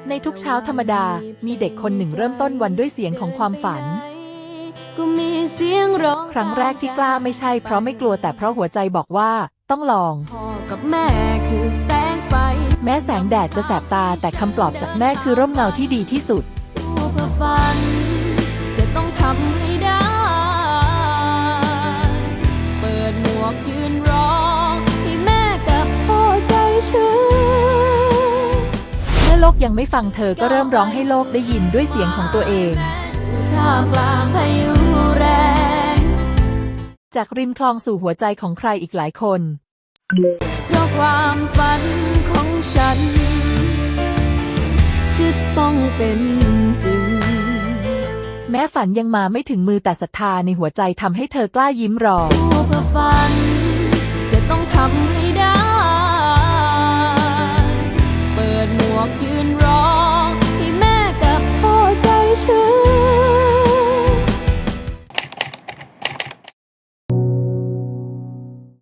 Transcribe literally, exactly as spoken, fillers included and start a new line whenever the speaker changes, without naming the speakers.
ในทุกเช้าธรรมดา มีเด็กคนหนึ่งเริ่มต้นวันด้วยเสียงของความฝัน ครั้งแรกที่กล้าไม่ใช่เพราะไม่กลัวแต่เพราะหัวใจบอกว่าต้องลองพ่อกับแม่คือแสงไฟแม้แสงแดดจะแสบตาแต่คำปลอบจากแม่คือร่มเงาที่ดีที่สุดสู้เพื่อฝันจะต้องทำให้ได้เปิดหมวกยืนรอให้แม่กับพ่อใจชื้นเมื่อโลกยังไม่ฟังเธอก็เริ่มร้องให้โลกได้ยินด้วยเสียงของตัวเองท่ามกลางพายุแรงจากริมคลองสู่หัวใจของใครอีกหลายคนเพราะความฝันของฉันจะต้องเป็นจริงแม้ฝันยังมาไม่ถึงมือแต่ศรัทธาในหัวใจทำให้เธอกล้ายิ้มรอสู้เพื่อฝันจะต้องทำให้